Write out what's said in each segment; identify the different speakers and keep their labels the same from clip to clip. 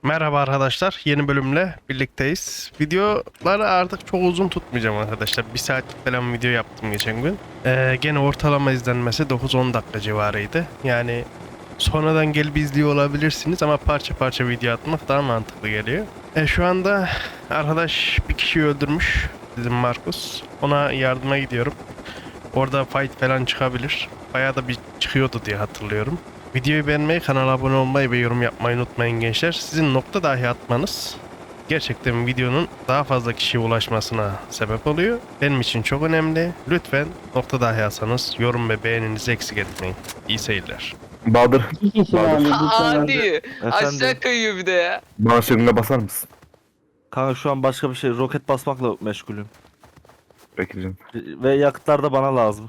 Speaker 1: Merhaba arkadaşlar, yeni bölümle birlikteyiz. Videoları artık çok uzun tutmayacağım arkadaşlar. Bir saatlik falan video yaptım geçen gün. Gene ortalama izlenmesi 9-10 dakika civarıydı. Yani sonradan gelip izliyor olabilirsiniz ama parça parça video atmak daha mantıklı geliyor. Şu anda arkadaş bir kişiyi öldürmüş, bizim Markus. Ona yardıma gidiyorum. Orada fight falan çıkabilir. Bayağı da bir çıkıyordu diye hatırlıyorum. Videoyu beğenmeyi, kanala abone olmayı ve yorum yapmayı unutmayın gençler. Sizin nokta dahi atmanız gerçekten videonun daha fazla kişiye ulaşmasına sebep oluyor. Benim için çok önemli. Lütfen nokta dahi atsanız yorum ve beğeninizi eksik etmeyin. İyi seyirler.
Speaker 2: Bahadır,
Speaker 3: İki kişi
Speaker 2: Bahadır.
Speaker 3: vardı.
Speaker 4: Hadi. Aşağı
Speaker 5: Efendim,
Speaker 4: kayıyor bir de ya.
Speaker 2: Bana şırınga basar mısın?
Speaker 5: kanka şu an başka bir şey roket basmakla meşgulüm.
Speaker 2: Peki canım.
Speaker 5: Ve yakıtlar da bana lazım.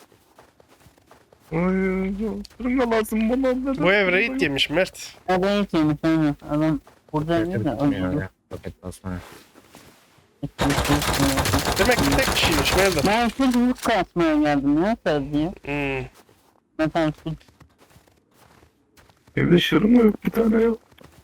Speaker 2: Şırınga lazım bana.
Speaker 1: Bu ev raid yemiş Mert.
Speaker 3: Adam hiç yemiş aynen. Adam burada değil de öldürdü.
Speaker 1: Demek ki tek kişiymiş. Nerede?
Speaker 3: Ben şu hızlık kasmaya geldim ya diye. Mesela şu
Speaker 2: Evde şırınga yok bir tane ya.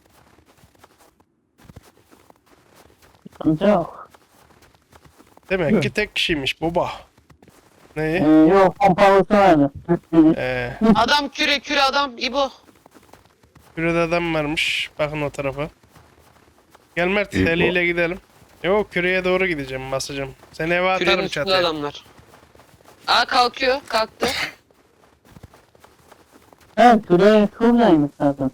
Speaker 3: sıkıntı yok.
Speaker 1: Demek ki tek kişiymiş baba. Neyi?
Speaker 3: Yok pompalısı vardı.
Speaker 4: Adam küre adam İbo.
Speaker 1: Şurada adam varmış. Bakın o tarafa. Gel Mert,
Speaker 2: İyi bu.
Speaker 1: eliyle gidelim. Yok, küreye doğru gideceğim, basacağım. Seni eve
Speaker 4: Kürenin
Speaker 1: atarım
Speaker 4: üstünde
Speaker 1: çatıya.
Speaker 4: adamlar. Aa kalkıyor. Kalktı.
Speaker 3: Evet küreği şuradaymış zaten.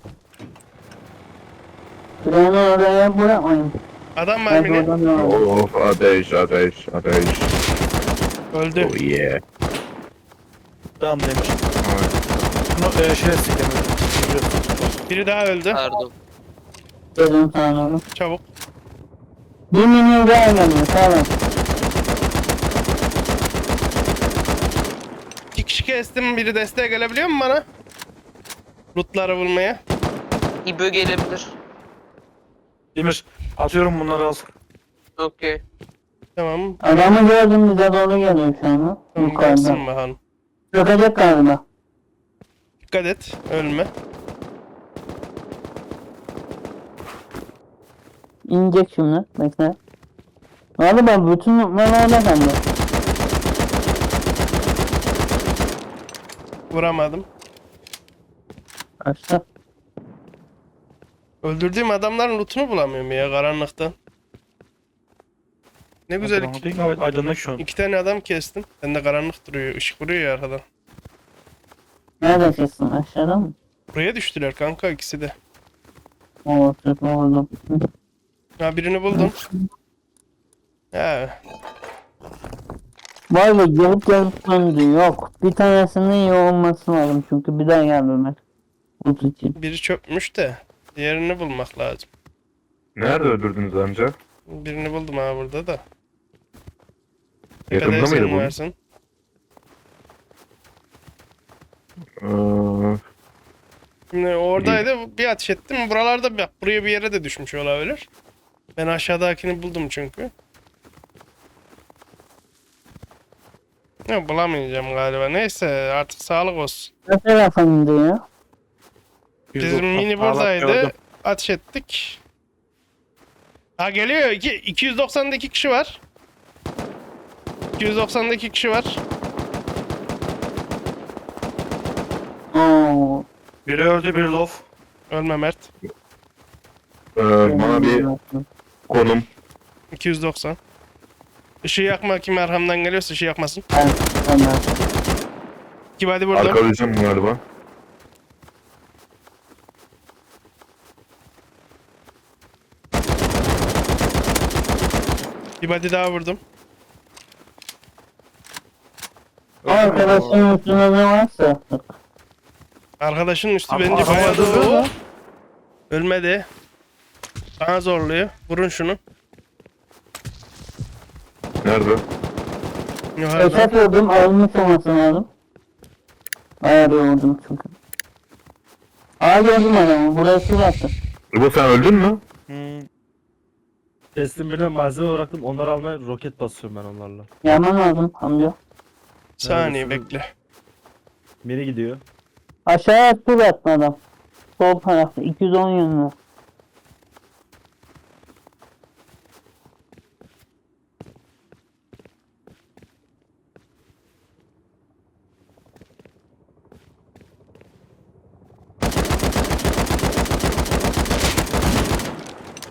Speaker 3: Küreğini oraya bırakmayın.
Speaker 1: Adam var
Speaker 3: Ben
Speaker 1: mı ne?
Speaker 3: oradan aldım.
Speaker 2: Of ateş ateş ateş.
Speaker 1: Öldü.
Speaker 2: Oh yeah.
Speaker 5: Tamam demiş. Bunu
Speaker 1: Biri daha öldü.
Speaker 4: Pardon.
Speaker 3: Dedim sana onu.
Speaker 1: Çabuk.
Speaker 3: Bir milyon daha geliyor tamam.
Speaker 1: İki kişi kestim. Biri desteğe gelebiliyor mu bana? Lootları bulmaya.
Speaker 4: İbo gelebilir.
Speaker 6: Demir atıyorum bunları al.
Speaker 4: Okey.
Speaker 1: Tamam.
Speaker 3: Adamı gördüm bize doğru geliyor şu anda.
Speaker 1: Tamam,
Speaker 3: Yukarıda.
Speaker 1: gelsin bakalım.
Speaker 3: Çökecek galiba.
Speaker 1: Dikkat et. Ölme.
Speaker 3: İnecek şimdi. Bekle. Galiba bütün noktalar orada kaldı.
Speaker 1: Vuramadım.
Speaker 3: Açtı.
Speaker 1: Öldürdüğüm adamların lootunu bulamıyorum ya karanlıktan. Ne güzel
Speaker 6: Aydınlık şu an.
Speaker 1: iki tane adam kestim. Ben de karanlık duruyor. Işık vuruyor ya arkadan.
Speaker 3: Nerede kesin? Aşağıda mı?
Speaker 1: Buraya düştüler kanka ikisi de.
Speaker 3: Oo çok oldu.
Speaker 1: Ha, birini buldum. Ha,
Speaker 3: Vay be gelip döndü. Yok. Bir tanesinin iyi olması lazım çünkü bir daha geldi Ömer. Bu için.
Speaker 1: biri çökmüş de diğerini bulmak lazım.
Speaker 2: Nerede öldürdünüz amca?
Speaker 1: Birini buldum ha burada da.
Speaker 2: Yakında
Speaker 1: Tepede
Speaker 2: mıydı
Speaker 1: senin
Speaker 2: bu?
Speaker 1: varsın. Şimdi oradaydı, bir ateş ettim. Buralarda bak, buraya bir yere de düşmüş olabilir. Ben aşağıdakini buldum çünkü. Ya bulamayacağım galiba. Neyse artık sağlık olsun.
Speaker 3: Ne tarafında ya?
Speaker 1: Bizim mini buradaydı. Ateş ettik. Ha geliyor. 290'daki kişi var. 290'daki kişi var.
Speaker 3: Oo.
Speaker 6: Biri öldü biri lof.
Speaker 1: Ölme Mert.
Speaker 2: Bana bir konum.
Speaker 1: 290. Işığı yakma, kim arkamdan geliyorsa ışığı yakmasın.
Speaker 3: Ömer.
Speaker 1: İki body burada.
Speaker 2: Arkalayacağım galiba.
Speaker 1: Bir body daha vurdum.
Speaker 3: Arkadaşın üstüne ne varsa.
Speaker 1: Arkadaşın üstü
Speaker 6: Ama
Speaker 1: bence
Speaker 6: adam
Speaker 1: bayağı
Speaker 6: öldü mü?
Speaker 1: dolu. Ölmedi. Bana zorluyor. Vurun şunu.
Speaker 2: Nerede?
Speaker 1: Yukarıdan.
Speaker 3: Esat vurdum almış olması lazım. Bayağı bir vurdum çünkü. Aa gördüm adamı. Burası baktı.
Speaker 2: Bu sen öldün mü?
Speaker 5: Teslim birine malzeme bıraktım. Onları almaya roket basıyorum ben onlarla.
Speaker 3: Yaman lazım amca.
Speaker 1: Saniye
Speaker 5: Neredesin?
Speaker 1: bekle.
Speaker 5: Biri gidiyor.
Speaker 3: Aşağıya su attı adam. Sol tarafta 210 yönlü.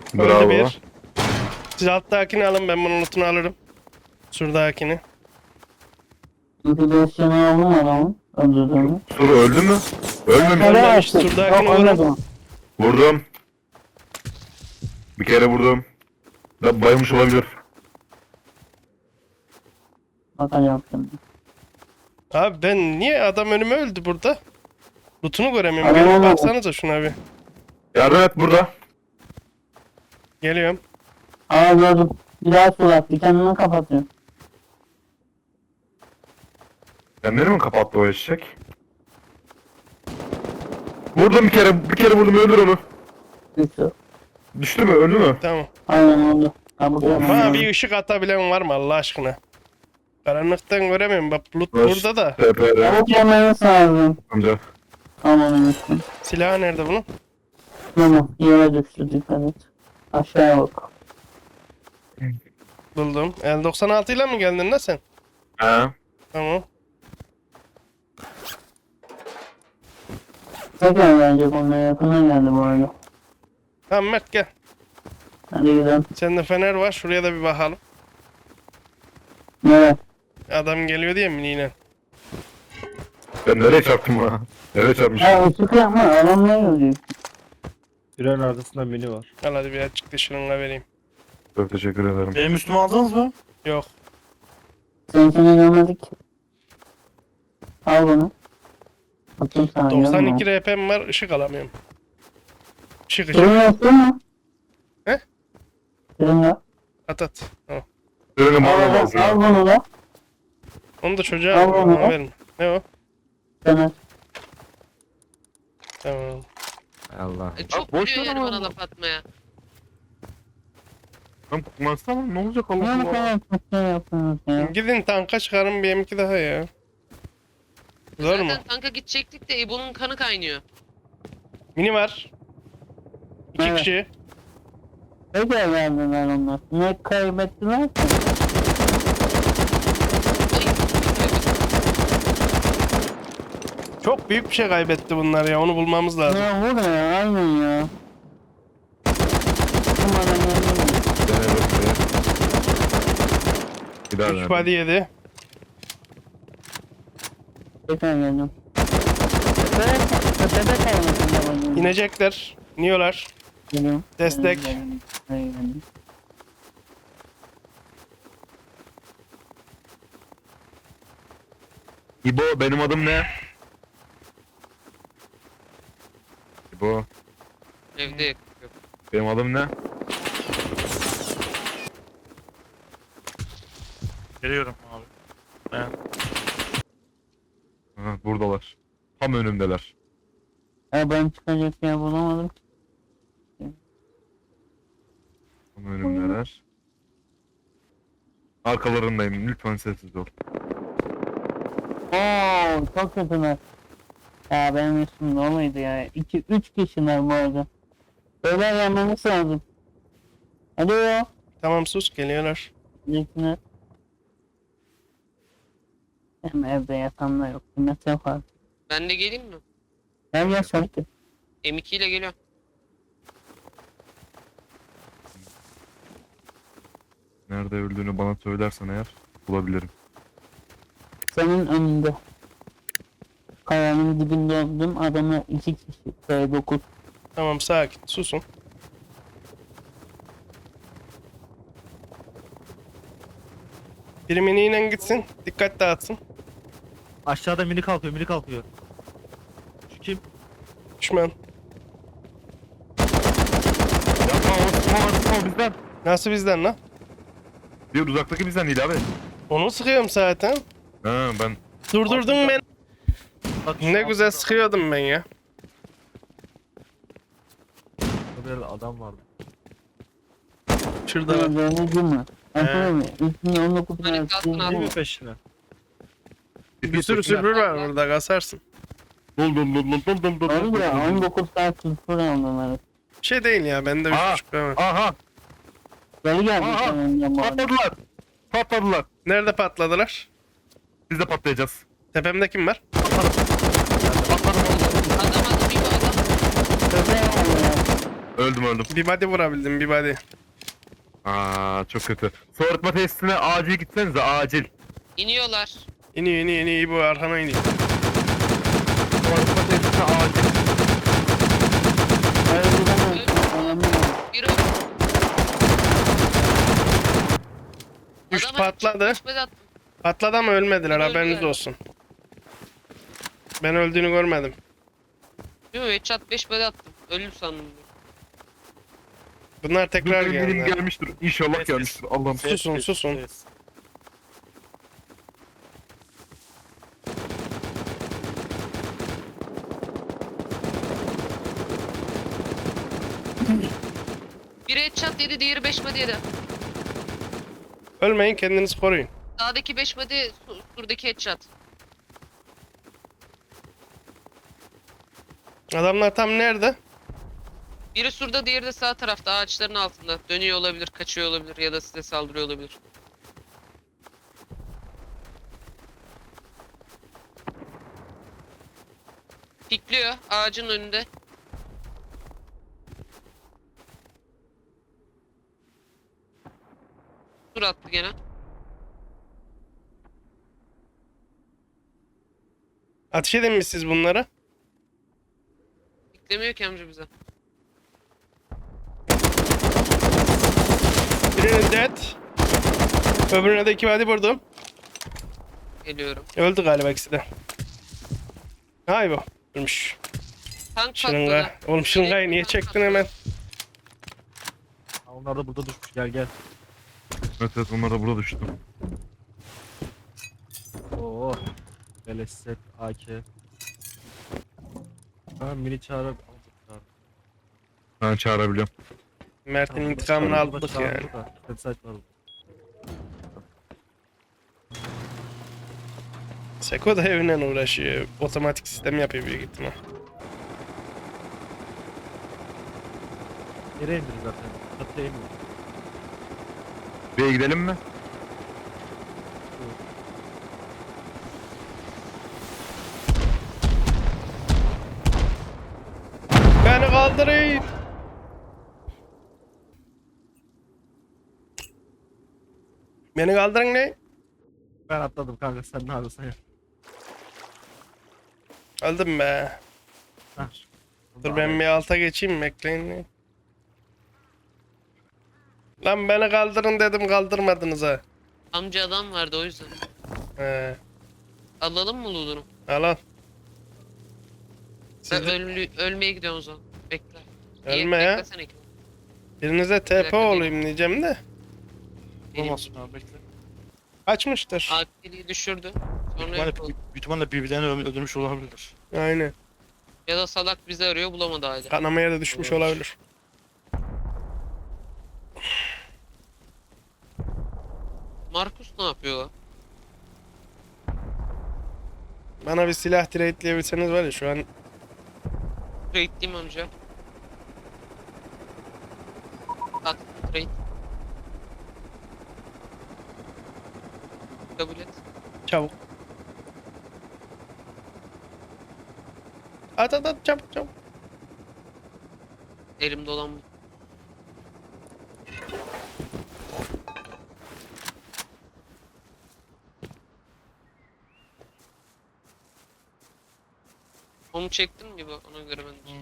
Speaker 1: Öldü
Speaker 2: Bravo.
Speaker 1: bir. Siz alttakini alın, ben bunun lootunu alırım. Şuradakini.
Speaker 3: Motivasyonu aldım adamın. Öldürdüğümü.
Speaker 2: Suru öldü mü? Ölmemiş.
Speaker 1: Ölmemiş, şuradakini
Speaker 3: Yok,
Speaker 1: vurun.
Speaker 3: ölmedim.
Speaker 2: Vurdum. Bir kere vurdum. Da bayılmış olabilir.
Speaker 3: Bakacağım şimdi.
Speaker 1: Abi ben niye adam önüme öldü burada? Lootunu göremiyorum.
Speaker 3: Adam
Speaker 1: Gelin
Speaker 3: olmadı.
Speaker 1: baksanıza şuna bir.
Speaker 2: Yardım et burada.
Speaker 1: Geliyorum.
Speaker 3: Aa gördüm. Bir daha surat. Bir kendini kapatıyor.
Speaker 2: Kendini mi kapattı o eşek? Vurdum bir kere vurdum, öldür onu.
Speaker 3: Düştü.
Speaker 2: Düştü mü, öldü mü?
Speaker 1: Tamam.
Speaker 3: Aynen oldu. Ha bu da
Speaker 1: Bana bir ışık atabilen var mı Allah aşkına? Karanlıktan göremiyorum. Bak loot
Speaker 2: Baş-
Speaker 1: burada da.
Speaker 2: TPR
Speaker 3: Çabuk yemeniz lazım.
Speaker 2: amca.
Speaker 3: Aman üstüm.
Speaker 1: Silahı nerede bunun?
Speaker 3: Tamam. Yere düştü. Dikkat et. Aşağıya bak.
Speaker 1: Buldum. L96 ile mi geldin lan sen?
Speaker 2: He.
Speaker 1: Tamam.
Speaker 3: Tekrar gelecek onlara yakına geldi bu arada.
Speaker 1: Tamam Mert gel.
Speaker 3: Hadi gidelim.
Speaker 1: Sende fener var. Şuraya da bir bakalım.
Speaker 3: Nereye?
Speaker 1: Adam geliyor diye mi yine?
Speaker 2: Ben nereye çarptım ha? Nereye çarpmışım?
Speaker 3: Ya ışık yapma. Adamla gelecek.
Speaker 5: Tünelin arkasında mini var.
Speaker 1: Al hadi bir açık dışarına vereyim.
Speaker 2: Çok teşekkür ederim.
Speaker 6: Benim üstüme aldınız mı?
Speaker 1: Yok.
Speaker 3: Sen seni görmedik. Al bunu. Bakayım sana.
Speaker 1: 92 RP'm var. Işık alamıyorum. Işık.
Speaker 3: Fırın yaptın mı?
Speaker 1: He?
Speaker 3: Fırın yap.
Speaker 1: At. Tamam.
Speaker 2: Ürünü bana
Speaker 3: Al
Speaker 2: lazım.
Speaker 3: bunu da.
Speaker 1: Onu da çocuğa
Speaker 3: Al onu.
Speaker 1: bana verin. Ne o?
Speaker 3: Sana.
Speaker 1: Tamam.
Speaker 5: Allah.
Speaker 4: Çok
Speaker 2: boş
Speaker 4: biliyor
Speaker 2: ver
Speaker 4: yani
Speaker 2: ama.
Speaker 4: bana laf atmaya.
Speaker 2: Lan kullansana, ne olacak Allah
Speaker 3: Ne
Speaker 2: Allah.
Speaker 3: kadar kötü yapıyorsunuz ya.
Speaker 1: Gidin tanka çıkarın bir M2 daha ya. Zor mu?
Speaker 4: Zaten tanka gidecektik de İbo'nun kanı kaynıyor.
Speaker 1: Mini var. 2
Speaker 3: Evet.
Speaker 1: kişi.
Speaker 3: Ne kadar verdiler onlar? Ne kaybettiler ki?
Speaker 1: Çok büyük bir şey kaybetti bunlar ya. Onu bulmamız lazım.
Speaker 3: Ya vur ya aynen ya. Umarım yenilmez.
Speaker 2: Bir daha
Speaker 1: 3
Speaker 2: ver.
Speaker 1: body yedi.
Speaker 3: Tekrar geldim. Tepede kalmasın da bana.
Speaker 1: İnecekler. İniyorlar.
Speaker 3: Geliyorum.
Speaker 1: Destek.
Speaker 3: Geldim.
Speaker 2: İbo, benim adım ne? İbo,
Speaker 4: Evde yok.
Speaker 2: benim adım ne?
Speaker 6: Geliyorum abi.
Speaker 2: Aha, buradalar. Tam önümdeler.
Speaker 3: Ya ben çıkacak yer bulamadım.
Speaker 2: Tam önümdeler. Arkalarındayım. Lütfen sessiz ol.
Speaker 3: Oo çok kötüler. Ya benim üstümde olaydı ya. 2-3 kişiler bu arada. Beyler gelmemiz lazım. Hadi ya.
Speaker 1: Tamam sus geliyorlar.
Speaker 3: Bizimkiler. Hem evde yatan da yok. Kıymet yok abi.
Speaker 4: Ben de geleyim mi?
Speaker 3: Gel gel şarkı.
Speaker 4: M2 ile geliyorum.
Speaker 2: Nerede öldüğünü bana söylersen eğer bulabilirim.
Speaker 3: Senin önünde. Kayanın dibinde öldüm. Adamlar 2 kişi. B9.
Speaker 1: Tamam sakin susun. Biri miniyle gitsin. Dikkat dağıtsın.
Speaker 5: Aşağıda mini kalkıyor, mini kalkıyor. Şu kim?
Speaker 1: Düşman.
Speaker 2: Yapma, o bizden.
Speaker 1: Nasıl bizden lan?
Speaker 2: Bir uzaktaki bizden değil abi.
Speaker 1: Onu sıkıyorum zaten.
Speaker 2: Ha, ben
Speaker 1: Durdurdun beni.
Speaker 5: Bak,
Speaker 1: Ne güzel sıkıyordum ben ya.
Speaker 5: Burada adam vardı.
Speaker 1: Şurada var.
Speaker 3: Dönücü mü? Anladın mı? Üstünde 19
Speaker 4: Hani
Speaker 3: tane
Speaker 4: kalsın
Speaker 3: sildi.
Speaker 4: abi.
Speaker 5: Değil mi peşine?
Speaker 1: Bir sürü sürpür var burada kasarsın.
Speaker 2: Dol dol dol dol dol dol dol.
Speaker 3: Doğru ya 19 tane sıfır aldılar.
Speaker 1: Bir şey değil ya bende
Speaker 2: Aa.
Speaker 1: 3.5 var.
Speaker 2: Aha,
Speaker 3: Geri geldi
Speaker 2: Aha.
Speaker 3: sonunda bu arada.
Speaker 2: patladılar. Patladılar.
Speaker 1: Nerede patladılar?
Speaker 2: Biz de patlayacağız.
Speaker 1: Tepemde kim var?
Speaker 4: Adam İbo adam.
Speaker 3: Köpeğe aldı ya.
Speaker 2: Öldüm.
Speaker 1: Bir body vurabildim, bir body.
Speaker 2: Aa çok kötü. Soğutma testine acil gitsenize acil.
Speaker 4: İniyorlar.
Speaker 1: İniyor, bu arkana iniyor.
Speaker 2: Soğutma testine acil.
Speaker 3: Önemli değil.
Speaker 4: Biri
Speaker 1: Düştü,
Speaker 4: Adama
Speaker 1: patladı.
Speaker 4: düşmedi attım.
Speaker 1: Patladı ama ölmediler,
Speaker 4: Öldü
Speaker 1: haberiniz
Speaker 4: galiba.
Speaker 1: olsun. Ben öldüğünü görmedim.
Speaker 4: Değil mi? Headshot 5 body attım. Öldüm sandım.
Speaker 1: Bunlar tekrar
Speaker 2: Dur, benim
Speaker 1: geldiler.
Speaker 2: gelmiştir. İnşallah gelmiştir. Allah'ım.
Speaker 1: Susun.
Speaker 4: Biri headshot yedi, diğeri 5 body yedi.
Speaker 1: Ölmeyin, kendinizi koruyun.
Speaker 4: Sağdaki 5 body, surdaki headshot.
Speaker 1: Adamlar tam nerede?
Speaker 4: Biri surda, diğeri de sağ tarafta, ağaçların altında. Dönüyor olabilir, kaçıyor olabilir ya da size saldırıyor olabilir. Pikliyor ağacın önünde. Sur attı gene.
Speaker 1: Ateş edin mi siz bunları?
Speaker 4: Piklemiyor ki amca bize.
Speaker 1: Birini dead. Öbürüne de 2 body vurdum.
Speaker 4: Geliyorum.
Speaker 1: Öldü galiba ikisi de. Hay bu. Ölmüş.
Speaker 4: Tank
Speaker 1: Şırınga.
Speaker 4: patladı.
Speaker 1: Oğlum şırıngayı niye çektin hemen?
Speaker 5: Ha, onlar da burada düşmüş. Gel.
Speaker 2: Evet onlar da burada düştü.
Speaker 5: Oo. Beleset AK. Ha mini çağırıp aldık.
Speaker 2: Ben çağırabiliyorum.
Speaker 1: Mert'in intikamını aldık yani.
Speaker 5: Website var.
Speaker 1: Seko da evinden uğraşıyor. Otomatik sistem yapıyor büyük ihtimal.
Speaker 5: Yere indir zaten. Çatıya indir.
Speaker 2: B'ye gidelim mi?
Speaker 1: Beni kaldırın. Beni kaldırın ne?
Speaker 5: Ben atladım kanka, sen ne yapıyorsun ya?
Speaker 1: Öldüm be.
Speaker 5: Hah.
Speaker 1: Dur ben bir alta geçeyim, bekleyin. Lan beni kaldırın dedim, kaldırmadınız ha.
Speaker 4: Amca adam vardı o yüzden.
Speaker 1: He,
Speaker 4: Alalım mı Lulu'nu?
Speaker 1: al al.
Speaker 4: Ben
Speaker 1: Siz de
Speaker 4: ölmeye gidiyorum o zaman. Bekle.
Speaker 1: ölme ya.
Speaker 4: Beklesene ki.
Speaker 1: Birinize TP olayım diyeceğim de.
Speaker 6: Olmasın abi bekle.
Speaker 1: Kaçmıştır.
Speaker 4: Akili'yi düşürdü. Sonra
Speaker 6: Büyük
Speaker 4: yok oldu.
Speaker 6: ihtimalle birbirlerini öldürmüş olabilirler.
Speaker 1: Aynen.
Speaker 4: Ya da salak bizi arıyor, bulamadı hala.
Speaker 1: Kanamaya da düşmüş
Speaker 6: Evet.
Speaker 1: olabilir.
Speaker 4: Markus ne yapıyor lan?
Speaker 1: Bana bir silah trade'leyebilseniz var ya şu an.
Speaker 4: Trade'liyim amca. Attım trade. Kabul et.
Speaker 1: Çabuk. At çabuk.
Speaker 4: Elimde olan bu. Onu çektin mi bu? Ona göre ben de.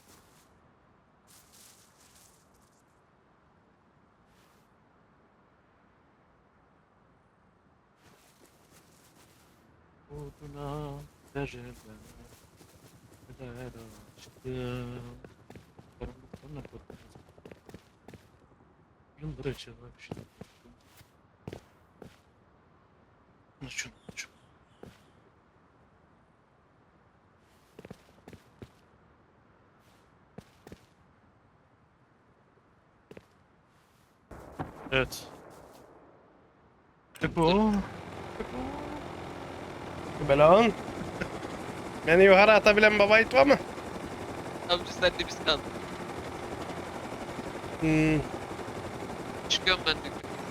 Speaker 6: Oduna dereden Kadar açtım Karanlıktan ne korkmaz Yıldır açılmıştım Şunu Evet. Bu.
Speaker 1: Belan. Beni yukarı atabilen baba it var mı?
Speaker 4: Amca sen de biz kaldık. Çıkıyorum ben de.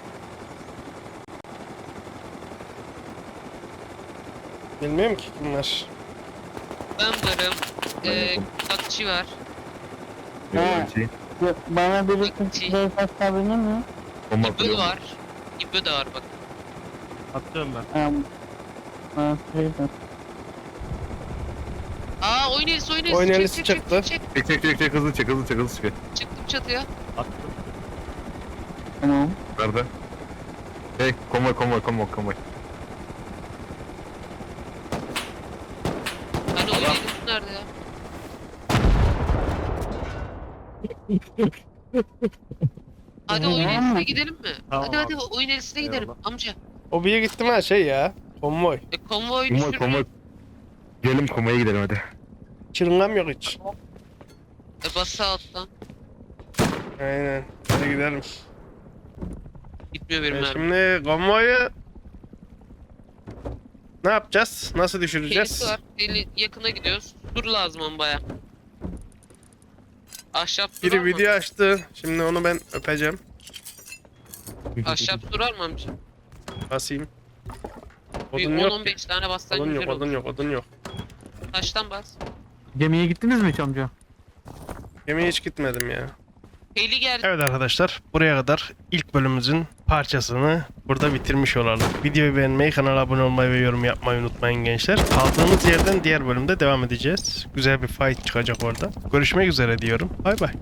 Speaker 1: Bilmiyorum ki kimler.
Speaker 4: Ben varım.
Speaker 2: Ben yokum.
Speaker 4: Akçı var.
Speaker 3: Ha.
Speaker 2: Yok, şey.
Speaker 3: Bana birisi
Speaker 4: Bakçı.
Speaker 3: şey satabilir mi?
Speaker 2: Bomba
Speaker 4: İbö
Speaker 2: atıyor.
Speaker 4: var. İbö de var bak.
Speaker 5: Atıyorum ben.
Speaker 3: Ha, şey de.
Speaker 4: Aa oyun elisi oyun elisi.
Speaker 1: Oyun
Speaker 4: Çek,
Speaker 1: elisi
Speaker 4: çek, çek,
Speaker 1: çıktı.
Speaker 4: çek.
Speaker 2: Çek hızlı çek hızlı çek hızlı çek.
Speaker 4: Çıktım çatıya.
Speaker 5: Attım.
Speaker 3: Tamam.
Speaker 2: Nerede? Hey konvoy.
Speaker 4: Hani oyun elisi nerede ya? Hadi oyun
Speaker 3: Tamam.
Speaker 4: elisine gidelim mi?
Speaker 5: Tamam
Speaker 4: Hadi
Speaker 5: abi.
Speaker 4: oyun elisine gidelim
Speaker 5: Eyvallah.
Speaker 4: amca.
Speaker 1: O bir gittim ha şey ya. Konvoy.
Speaker 4: Konvoy
Speaker 2: Konvoy
Speaker 4: düşürür.
Speaker 2: konvoy. Gelin konvoya gidelim hadi.
Speaker 1: Çırıngam yok hiç.
Speaker 4: Bas sağ alttan.
Speaker 1: Aynen. Hadi gidelim.
Speaker 4: Gitmiyor benim mermi.
Speaker 1: Şimdi konvoyu ne yapacağız? Nasıl düşüreceğiz?
Speaker 4: Helisi var. Yakına gidiyoruz. Dur lazım ama baya. Ahşap durar
Speaker 1: Biri
Speaker 4: mı?
Speaker 1: video açtı. Şimdi onu ben öpeceğim.
Speaker 4: Ahşap durar mı amca?
Speaker 1: Basayım.
Speaker 4: Bir
Speaker 1: Odun yok ki.
Speaker 4: 10-15 tane bassan
Speaker 1: Odun
Speaker 4: güzel
Speaker 1: yok,
Speaker 4: olur.
Speaker 1: odun yok, odun yok.
Speaker 4: Taştan bas.
Speaker 5: Gemiye gittiniz mi hiç amca?
Speaker 1: Yemeğe hiç gitmedim ya.
Speaker 4: Heli geldi.
Speaker 1: Evet arkadaşlar, buraya kadar ilk bölümümüzün parçasını burada bitirmiş olalım. Videoyu beğenmeyi, kanala abone olmayı ve yorum yapmayı unutmayın gençler. Kaldığımız yerden diğer bölümde devam edeceğiz. Güzel bir fight çıkacak orada. Görüşmek üzere diyorum. Bay bay.